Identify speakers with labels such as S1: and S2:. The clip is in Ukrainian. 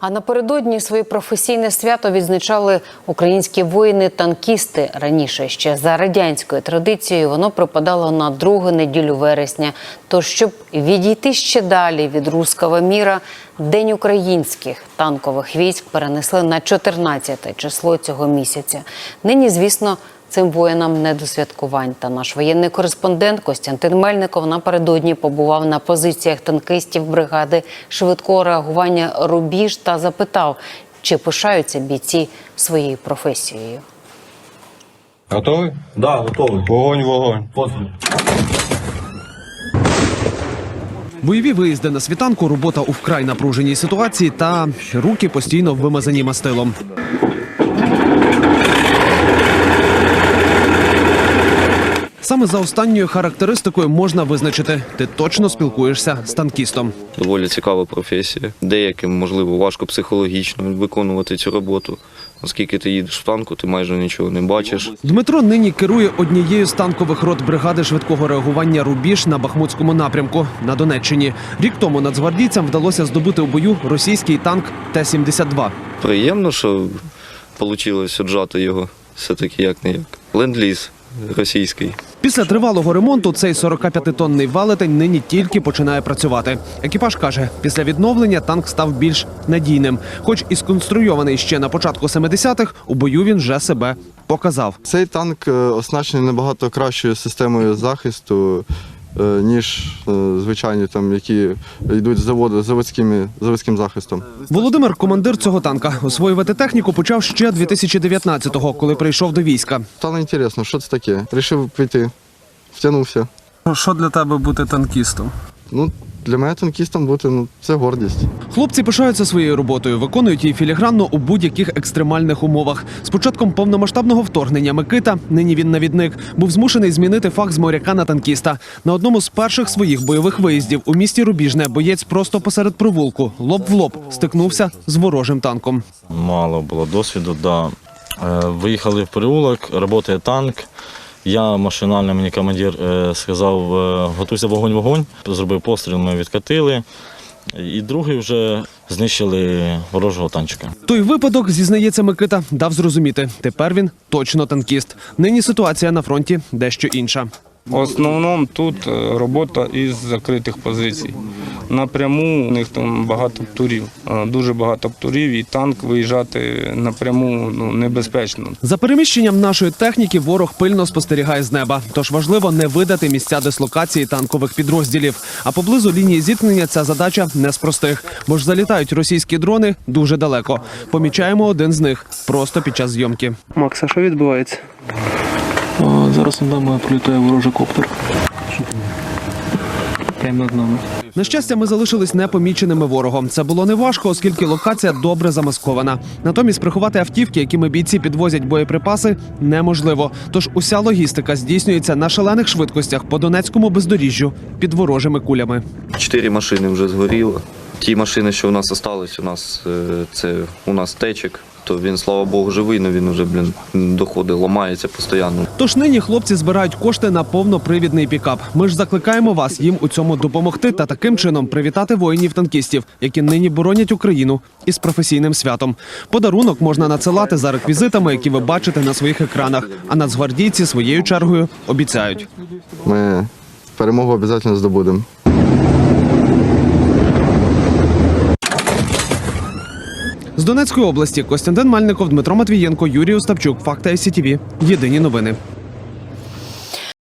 S1: А напередодні своє професійне свято відзначали українські воїни-танкісти. Раніше, ще за радянською традицією, воно припадало на другу неділю вересня. Тож, щоб відійти ще далі від руського міра, День українських танкових військ перенесли на 14 число цього місяця. Нині, звісно, цим воїнам не до святкувань. Та наш воєнний кореспондент Костянтин Мельников напередодні побував на позиціях танкістів бригади швидкого реагування «Рубіж» та запитав, чи пишаються бійці своєю професією.
S2: Готовий?
S3: Да, готовий.
S2: Вогонь.
S3: Постріл.
S4: Бойові виїзди на світанку, робота у вкрай напруженій ситуації та руки постійно вимазані мастилом. Саме за останньою характеристикою можна визначити – ти точно спілкуєшся з танкістом.
S5: Доволі цікава професія. Деяким, можливо, важко психологічно виконувати цю роботу. Оскільки ти їдеш в танку, ти майже нічого не бачиш.
S4: Дмитро нині керує однією з танкових рот бригади швидкого реагування «Рубіж» на Бахмутському напрямку на Донеччині. Рік тому нацгвардійцям вдалося здобути у бою російський танк Т-72.
S5: Приємно, що вийшло оджати його все-таки як-не-як. Ленд-ліз російський.
S4: Після тривалого ремонту цей 45-тонний велетень нині тільки починає працювати. Екіпаж каже, після відновлення танк став більш надійним. Хоч і сконструйований ще на початку 70-х, у бою він вже себе показав.
S6: Цей танк оснащений набагато кращою системою захисту, ніж звичайні, які йдуть з заводським захистом.
S4: Володимир, командир цього танка, освоювати техніку почав ще 2019-го, коли прийшов до війська.
S6: Стало цікаво, що це таке. Рішив піти, втягнувся.
S4: Що для тебе бути танкістом?
S6: Для мене танкістом бути – це гордість.
S4: Хлопці пишаються своєю роботою, виконують її філігранно у будь-яких екстремальних умовах. З початком повномасштабного вторгнення Микита, нині він навідник, був змушений змінити фах з моряка на танкіста. На одному з перших своїх бойових виїздів у місті Рубіжне боєць просто посеред провулку, лоб в лоб, стикнувся з ворожим танком.
S3: Мало було досвіду, да. Виїхали в переулок, працює танк. Я машинально, мені командир сказав, готуйся вогонь. Зробив постріл, ми відкатили. І другий вже знищили ворожого танчика.
S4: Той випадок, зізнається Микита, дав зрозуміти. Тепер він точно танкіст. Нині ситуація на фронті дещо інша.
S2: В основному тут робота із закритих позицій. Напряму у них там багато птурів, дуже багато птурів, і танк виїжджати напряму небезпечно.
S4: За переміщенням нашої техніки ворог пильно спостерігає з неба. Тож важливо не видати місця дислокації танкових підрозділів. А поблизу лінії зіткнення ця задача не з простих, бо ж залітають російські дрони дуже далеко. Помічаємо один з них просто під час зйомки.
S7: Макс, а що відбувається?
S8: Зараз над нами пролітає ворожий коптер. Прямо над нами.
S4: На щастя, ми залишились непоміченими ворогом. Це було неважко, оскільки локація добре замаскована. Натомість приховати автівки, якими бійці підвозять боєприпаси, неможливо. Тож уся логістика здійснюється на шалених швидкостях по Донецькому бездоріжжю під ворожими кулями.
S5: 4 машини вже згоріло. Ті машини, що у нас залишились, у нас течик. То він, слава Богу, живий, але він вже, доходить, ламається постійно.
S4: Тож нині хлопці збирають кошти на повнопривідний пікап. Ми ж закликаємо вас їм у цьому допомогти та таким чином привітати воїнів-танкістів, які нині боронять Україну із професійним святом. Подарунок можна надсилати за реквізитами, які ви бачите на своїх екранах. А нацгвардійці своєю чергою обіцяють.
S6: Ми перемогу обов'язково здобудемо.
S4: З Донецької області Костянтин Мельников, Дмитро Матвієнко, Юрій Остапчук. Факти ICTV. Єдині новини.